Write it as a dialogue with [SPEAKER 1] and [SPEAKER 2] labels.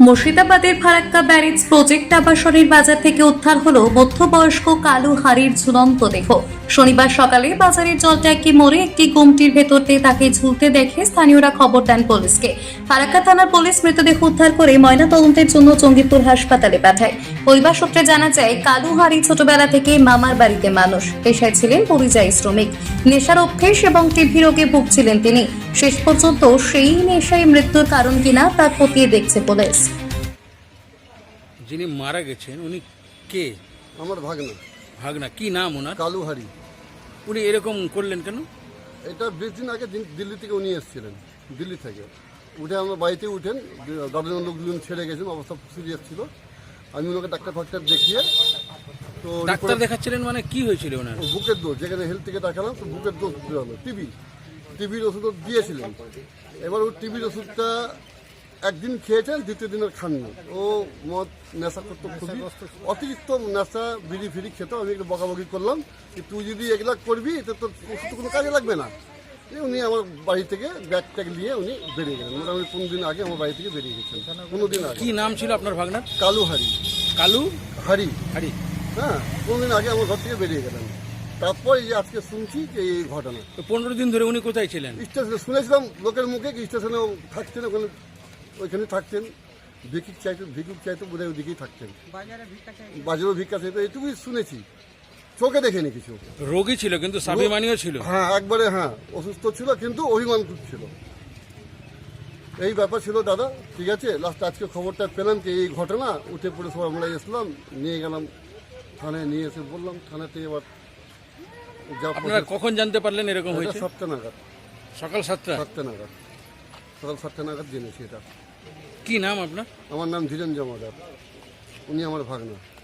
[SPEAKER 1] মুর্শিদাবাদের Farakka barrage project আবাসনের বাজার থেকে উদ্ধার হলো মধ্যবয়স্ক কালু হাড়ির ঝুলন্ত দেহ। শনিবার সকালে বাজারের জলট্যাঙ্কি মোড়ে একটি গুমটির ভেতর দিয়ে তাকে ঝুলতে দেখে স্থানীয়রা খবর দেন পুলিশকে। ফারাক্কা থানার পুলিশ মৃতদেহ উদ্ধার করে ময়নাতদন্তের জন্য জঙ্গিপুর হাসপাতালে পাঠায়। পরিবার সূত্রে জানা যায়, কালু হাড়ি ছোটবেলা থেকে মামার বাড়িতে মানুষ, পেশায় ছিলেন পরিযায়ী শ্রমিক। নেশার অভ্যেস এবং টিভি রোগে ভুগছিলেন তিনি। শেষ পর্যন্ত সেই নেশায় মৃত্যুর কারণ কিনা তা খতিয়ে দেখছে পুলিশ।
[SPEAKER 2] যিনি মারা গেছেন উনি কে?
[SPEAKER 3] আমার ভাগনা।
[SPEAKER 2] ভাগনা কি নাম ওনার?
[SPEAKER 3] কালু হারি।
[SPEAKER 2] উনি এরকম করলেন কেন?
[SPEAKER 3] এটা 20 দিন আগে দিল্লি থেকে উনি এসেছিলেন। দিল্লি থেকে উঠে আমার বাড়িতে উঠেন, দাদার লোকজন ছেড়ে গেছেন, অবস্থা সিরিয়াস ছিল। আমি ওনাকে ডাক্তার ফাক্তার দেখিয়ে তো
[SPEAKER 2] ডাক্তার দেখাচ্ছিলেন মানে কি হয়েছিল ওনার?
[SPEAKER 3] বুকের দোষ, যেখানে হেলথ থেকে দেখালাম তো বুকের দোষ বেরোলো। টিভির ওষুধ দিয়েছিলেন। এবার ও টিভির ওষুধটা একদিন খেয়েছেন, দ্বিতীয় দিনের খাননি। ও মদ নেশা করতো, খুবই অতিরিক্ত নেশা, বিড়ি ফিড়ি খেত। আমি একটু বকাবকি করলাম যে তুই যদি এগুলা করবি তো তোর ওষুধ কোনো কাজে লাগবে না। উনি আমার বাড়ি থেকে ব্যাগ ট্যাগ নিয়ে উনি বেরিয়ে গেলেন। মোটামুটি 15 দিন আগে আমার বাড়ি থেকে বেরিয়ে গেছেন। 15 দিন আগে।
[SPEAKER 2] কি নাম ছিল আপনার ভাগনার?
[SPEAKER 3] কালু হারি।
[SPEAKER 2] কালু
[SPEAKER 3] হারি।
[SPEAKER 2] হারি।
[SPEAKER 3] হ্যাঁ, 15 দিন আগে আমার ঘর থেকে বেরিয়ে গেলেন। তারপর এই যে আজকে শুনছি যে এই ঘটনা।
[SPEAKER 2] তো 15 দিন ধরে উনি কোথায় ছিলেন?
[SPEAKER 3] স্টেশনে শুনেছিলাম লোকের মুখে, স্টেশনেও থাকতেন, ওইখানে থাকতেন। ভিক্ষুক চাইতো বোধহয় ওইদিকেই থাকতেন। বাজারেও ভিক্ষা চাইতো, এইটুকুই শুনেছি, চোখে দেখেনি কিছু।
[SPEAKER 2] রোগী ছিল কিন্তু স্বাভিমানীও ছিল।
[SPEAKER 3] হ্যাঁ, একবারে হ্যাঁ, অসুস্থ ছিল কিন্তু অভিমান ছিল। এই ব্যাপার ছিল দাদা। ঠিক আছে, লাস্ট আজকে খবরটা পেলাম যে এই ঘটনা, উঠে পড়ে সব আমরা এসলাম, নিয়ে গেলাম থানায়, নিয়ে এসে বললাম থানাতে। এবার
[SPEAKER 2] আপনারা কখন জানতে পারলেন এরকম হয়েছে?
[SPEAKER 3] 7টা নাগাদ।
[SPEAKER 2] সকাল 7টা
[SPEAKER 3] নাগাদ, সকাল 7টা নাগাদ জেনেছি এটা।
[SPEAKER 2] কি নাম আপনার?
[SPEAKER 3] আমার নাম ধীরেন জমাদার, উনি আমার ভাগনা।